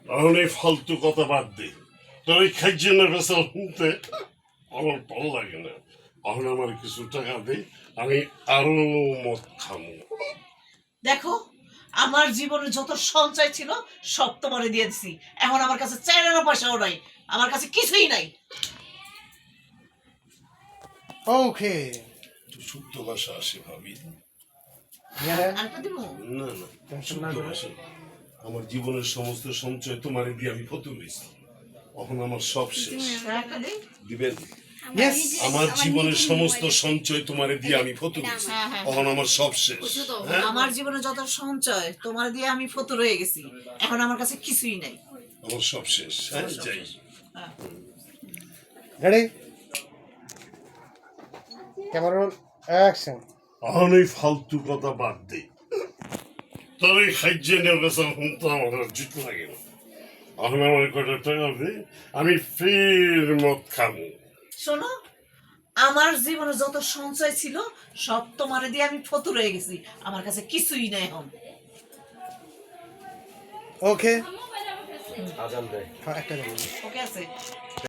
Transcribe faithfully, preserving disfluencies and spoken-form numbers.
এখন এই ফালতু কথা বাদ দে, তোর এই খাইজনের কথা শুনতে আমার ভালো লাগে না। এখন আমার কিছু টাকা দে, আমি আরো মদ খামো। দেখো, আমার জীবনে যত সঞ্চয় ছিল সব তোমারে দিয়ে দিছি। এখন আমার কাছে চাইলেরও পয়সাও নাই, আমার কাছে কিছুই নাই। ওকে একটু শুদ্ধ ভাষা আসে ভাবি। আরেকটা দিব? না না, শুদ্ধ ভাষা। আমার জীবনের সমস্ত সঞ্চয় তোমারে দিয়ে আমি ফতুর হয়েছি, এখন আমার সব শেষ। একটা দিই? দিবেন? ইয়েস আমার জীবনের সমস্ত সঞ্চয় তোমারে দিয়ে আমি ফতুর হয়েছি, হ্যাঁ, হ্যাঁ। এখন আমার সব শেষ। হ্যাঁ, আমার জীবনে যত সঞ্চয় তোমার দিয়ে আমি ফতুর হয়ে গেছি, এখন আমার কাছে কিছুই নাই। আমার সব শেষ। হ্যাঁ, যাই। হ্যাঁ। রেডি ক্যামেরা রোল অ্যাকশন এখন এই ফালতু কথা বাদ দে, তোর এই খাইজনের কথা শুনতে আমার আর জিত লাগে না। এখন আমার কটা টাকা দে, আমি ফের মদ খামো। শোনো, আমার জীবনে যত সঞ্চয় ছিল সব তোমারে দিয়ে আমি ফতুর হয়ে গেছি, আমার কাছে কিছুই নাই এখন। ওকে আজান দেয়। হ্যাঁ একটা ওকে আছে?